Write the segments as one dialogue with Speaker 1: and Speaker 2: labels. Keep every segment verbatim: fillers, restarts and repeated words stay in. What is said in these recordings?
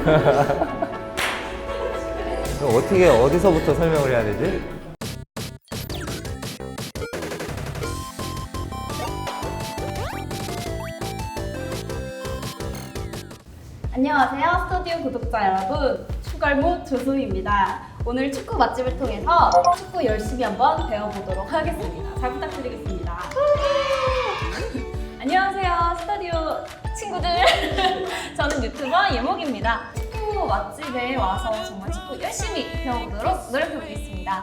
Speaker 1: 그럼 어떻게 어디서부터 설명을 해야 되지?
Speaker 2: 안녕하세요, 스튜디오 구독자 여러분. 축갈무 조수입니다. 오늘 축구 맛집을 통해서 축구 열심히 한번 배워보도록 하겠습니다. 잘 부탁드리겠습니다.
Speaker 3: 안녕하세요, 스타디오 친구들. 저는 유튜버 예목입니다. 축구 맛집에 와서 정말 축구 열심히 배워보도록 노력해보겠습니다.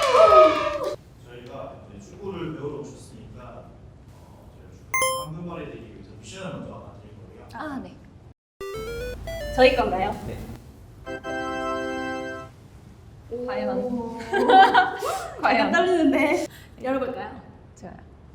Speaker 4: 저희가 이제 축구를 배우러 오셨으니까 어, 저희가 축구 황금발이 되기 위해서 미션을 먼저 하나 드릴 거예요.
Speaker 3: 아, 네.
Speaker 2: 저희 건가요?
Speaker 1: 네.
Speaker 3: 과연.
Speaker 2: 과연
Speaker 3: 과연.
Speaker 2: 떨리는데. 열어볼까요?
Speaker 3: 좋아요.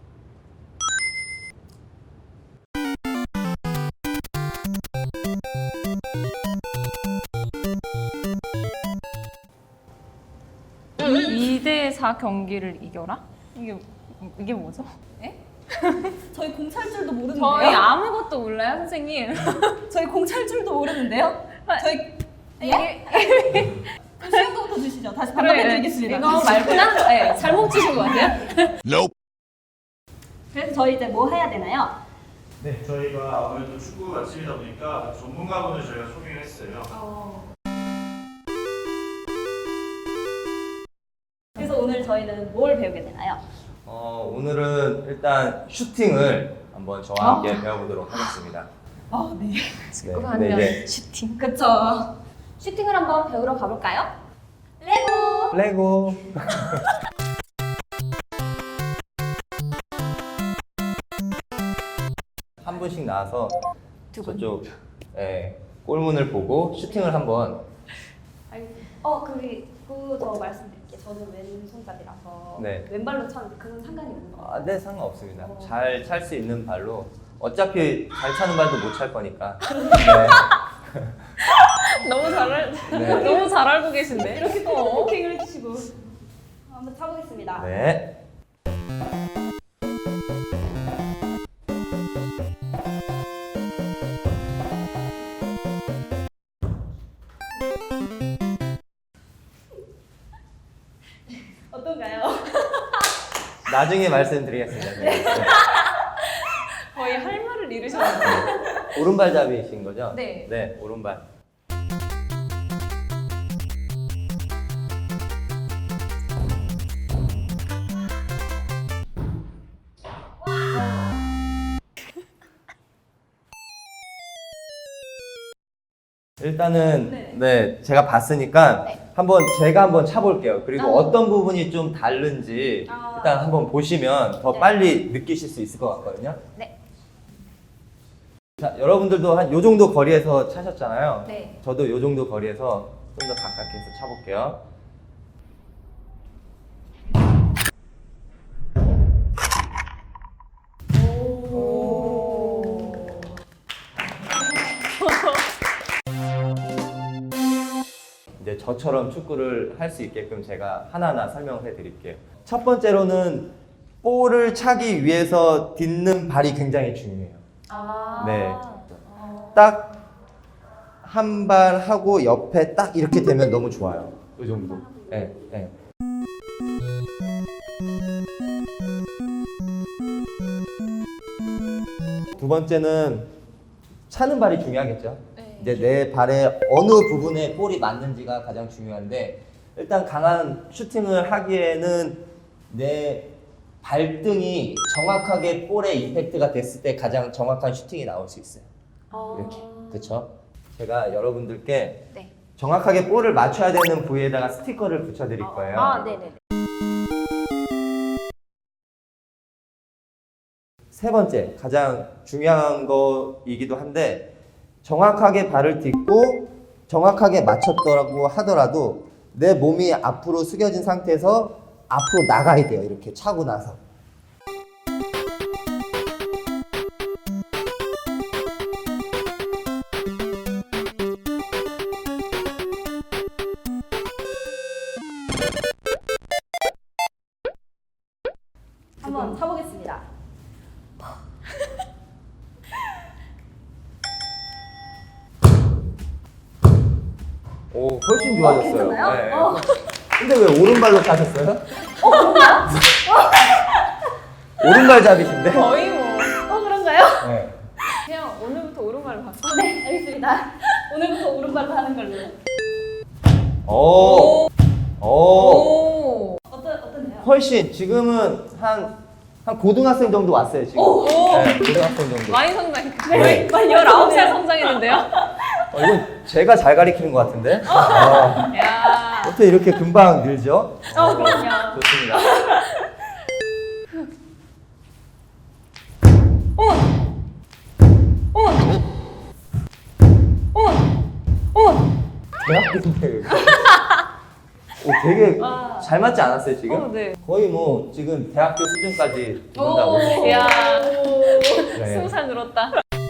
Speaker 3: 이 대 사 경기를 이겨라? 이게 이게 뭐죠? 에?
Speaker 2: 저희 공 찰 줄도 모르는데요?
Speaker 3: 저희 아무것도 몰라요, 선생님.
Speaker 2: 저희 공 찰 줄도 모르는데요? 저희
Speaker 3: 이게
Speaker 2: 쉬운 거부터 주시죠. 다시
Speaker 3: 그래,
Speaker 2: 반납해드리겠습니다.
Speaker 3: 이거 말구나? 네, 잘못 주신 것 같아요.
Speaker 2: 그래서 저희 이제 뭐 해야 되나요?
Speaker 4: 네, 저희가 아무래도 축구 맛집이다 보니까 전문가분을 저희가 소개를 했어요.
Speaker 2: 그래서 오늘 저희는 뭘 배우게 되나요?
Speaker 1: 어, 오늘은 일단 슈팅을 한번 저와 함께 배워보도록 하겠습니다.
Speaker 2: 아, 네.
Speaker 1: 네,
Speaker 3: 하면
Speaker 1: 근데 이제
Speaker 3: 슈팅.
Speaker 2: 그쵸. 슈팅을 한번 배우러 가볼까요? 레고!
Speaker 1: 레고. 한 분씩 나와서
Speaker 3: 두 분.
Speaker 1: 저쪽 예, 골문을 보고 슈팅을 한번.
Speaker 2: 아니, 어, 그리고 저 말씀드릴게요. 저는 왼손잡이라서
Speaker 1: 네.
Speaker 2: 왼발로 차는데 그건 상관이 없는 거
Speaker 1: 아, 네, 상관없습니다.
Speaker 2: 어.
Speaker 1: 잘 찰 수 있는 발로. 어차피 잘 차는 발도 못 찰 거니까. 네.
Speaker 3: 너무 잘 알,
Speaker 1: 네.
Speaker 3: 너무 잘 알고 계신데.
Speaker 2: 이렇게 또 오케이를 해주시고 한번 차보겠습니다.
Speaker 1: 네.
Speaker 2: 어떤가요?
Speaker 1: 나중에 말씀드리겠습니다. 네.
Speaker 3: 거의 할 말을 잃으셨는데.
Speaker 1: 오른발잡이신 거죠?
Speaker 3: 네.
Speaker 1: 네, 오른발. 일단은
Speaker 2: 네.
Speaker 1: 네, 제가 봤으니까
Speaker 3: 네.
Speaker 1: 한번 제가 한번 차볼게요. 그리고
Speaker 3: 아.
Speaker 1: 어떤 부분이 좀 다른지
Speaker 2: 아.
Speaker 1: 일단 한번 보시면 더
Speaker 3: 네.
Speaker 1: 빨리 느끼실 수 있을 것 같거든요.
Speaker 3: 네.
Speaker 1: 자, 여러분들도 한 요 정도 거리에서 차셨잖아요.
Speaker 3: 네.
Speaker 1: 저도 요 정도 거리에서 좀 더 가깝게 해서 차볼게요.
Speaker 2: 오.
Speaker 1: 이제 저처럼 축구를 할 수 있게끔 제가 하나하나 설명을 해드릴게요. 첫 번째로는 볼을 차기 위해서 딛는 발이 굉장히 중요해요.
Speaker 3: 아.
Speaker 1: 네. 딱 한 발 하고 옆에 딱 이렇게 되면 너무 좋아요. 이 정도. 네, 네. 두 번째는 차는 발이 중요하겠죠.
Speaker 3: 네.
Speaker 1: 이제 내 발의 어느 부분에 볼이 맞는지가 가장 중요한데, 일단 강한 슈팅을 하기에는 내 발등이 정확하게 볼에 임팩트가 됐을 때 가장 정확한 슈팅이 나올 수 있어요. 이렇게. 그쵸? 제가 여러분들께
Speaker 3: 네.
Speaker 1: 정확하게 볼을 맞춰야 되는 부위에다가 스티커를 붙여드릴 거예요.
Speaker 3: 아, 네네네.
Speaker 1: 세 번째, 가장 중요한 거이기도 한데, 정확하게 발을 딛고 정확하게 맞췄더라고 하더라도 내 몸이 앞으로 숙여진 상태에서 앞으로 나가야 돼요. 이렇게 차고 나서.
Speaker 2: 한번 차보겠습니다.
Speaker 1: 오, 훨씬 좋아졌어요.
Speaker 2: 괜찮아요?
Speaker 1: 네.
Speaker 2: 어.
Speaker 1: 근데 왜 오른발로 타셨어요? 어, 뭔가? 오른발잡이신데?
Speaker 3: 거의 뭐
Speaker 2: 어, 그런가요?
Speaker 1: 네.
Speaker 3: 그냥 오늘부터 오른발을 봤어.
Speaker 2: 네, 알겠습니다. 오늘부터 오른발로 하는 걸로.
Speaker 1: 오. 오.
Speaker 3: 오.
Speaker 2: 어떤, 어떤데요?
Speaker 1: 훨씬 지금은 한, 한 고등학생 정도 왔어요, 지금.
Speaker 3: 오.
Speaker 1: 네, 고등학생 정도.
Speaker 3: 많이 성장.
Speaker 2: 네, 많이
Speaker 3: 열아홉 살
Speaker 2: 성장했네요.
Speaker 3: 성장했는데요.
Speaker 1: 어, 이건 제가 잘 가리키는 것 같은데? 어,
Speaker 3: 야.
Speaker 1: 어떻게 이렇게 금방 늘죠?
Speaker 2: 어, 그럼요.
Speaker 1: 좋습니다.
Speaker 3: 어머. 어머. 어머. 어머.
Speaker 1: 대학교인데. 오, 되게
Speaker 2: 와.
Speaker 1: 잘 맞지 않았어요, 지금?
Speaker 3: 어, 네.
Speaker 1: 거의 뭐, 지금 대학교 수준까지
Speaker 2: 오.
Speaker 1: 된다고.
Speaker 3: 이야.
Speaker 1: 네.
Speaker 3: 스무 살 늘었다.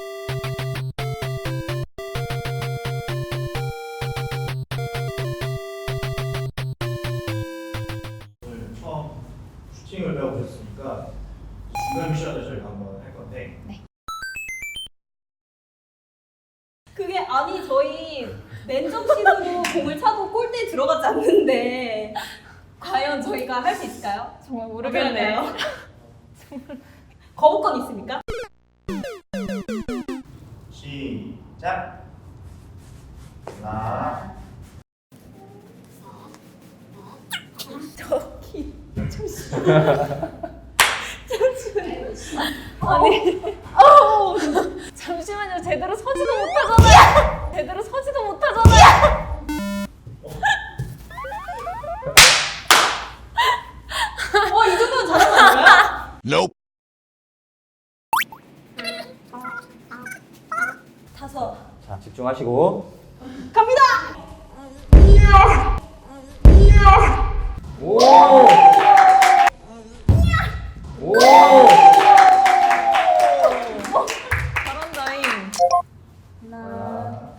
Speaker 4: 오늘 처음 슈팅을 배워보셨으니까 중간 미션을 저희가 한번 할 건데
Speaker 2: 그게 아니 저희 맨정신으로 공을 차도 골대에 들어가지 않는데 과연 저희가 할 수 있을까요?
Speaker 3: 정말 모르겠네요.
Speaker 2: 거부권 있습니까?
Speaker 4: 시작. 하나,
Speaker 2: 저기
Speaker 3: 아니.
Speaker 2: 어우
Speaker 3: 잠시만요. 제대로 서지도 못하잖아요. 제대로 서지도 못하잖아요.
Speaker 2: 어, 이 정도면 잘한 거 아닌가요?
Speaker 5: Nope.
Speaker 2: 다섯
Speaker 1: 자, 집중하시고.
Speaker 2: 갑니다!
Speaker 1: 오! 오!
Speaker 3: 잘한다잉.
Speaker 2: 하나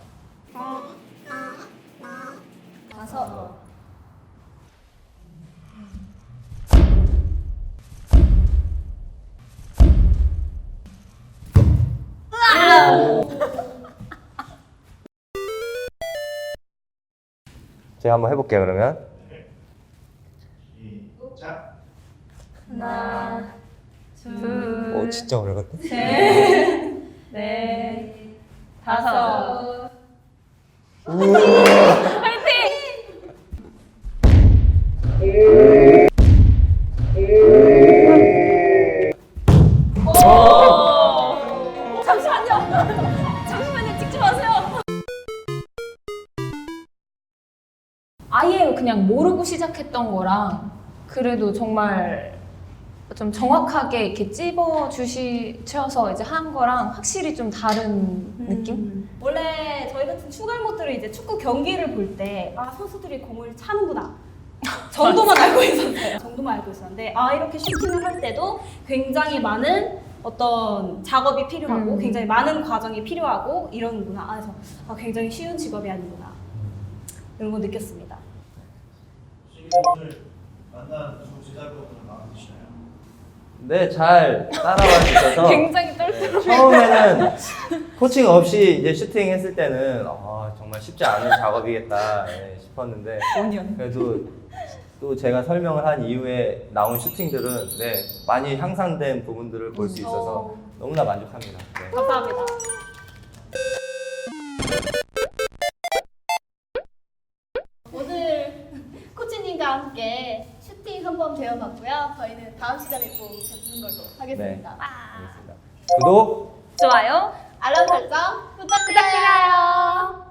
Speaker 2: 다섯
Speaker 1: 제가 한번 해볼게요, 그러면.
Speaker 4: 시작.
Speaker 2: 하나
Speaker 3: 둘.
Speaker 1: 오, 진짜 어려웠다.
Speaker 2: 넷 다섯
Speaker 3: 잠시만요. 잠시만요. 찍지 마세요. 아예 그냥 모르고 시작했던 거랑 그래도 정말 좀 정확하게 이렇게 찝어 주시셔서 이제 한 거랑 확실히 좀 다른 느낌?
Speaker 2: 음. 원래 저희 같은 추갈못들은 이제 축구 경기를 볼 때 아 선수들이 공을 차는구나 정도만 알고 있었어요. 정도만 알고 있었는데 아 이렇게 슈팅을 할 때도 굉장히 많은 어떤 작업이 필요하고
Speaker 3: 음.
Speaker 2: 굉장히 많은 과정이 필요하고 이러는구나. 아, 그래서 아, 굉장히 쉬운 직업이 아니구나 이런 거 느꼈습니다.
Speaker 4: 지금 오늘 만난 두 제자분들 마음에 드시나요?
Speaker 1: 네, 잘 따라와 주셔서.
Speaker 3: 굉장히 떨떠.
Speaker 1: 네, 처음에는 코칭 없이 이제 슈팅 했을 때는 아, 정말 쉽지 않은 작업이겠다 예, 싶었는데
Speaker 3: 오 년.
Speaker 1: 그래도 또 제가 설명을 한 이후에 나온 슈팅들은 네, 많이 향상된 부분들을 볼 수 있어서
Speaker 2: 어.
Speaker 1: 너무나 만족합니다. 네.
Speaker 2: 감사합니다. 오늘 코치님과 함께 슈팅 한번 배워봤고요. 저희는 다음 시간에 또 뵙는 걸로 하겠습니다.
Speaker 1: 네. 알겠습니다. 구독!
Speaker 3: 좋아요.
Speaker 2: 알람 설정 부탁드려요.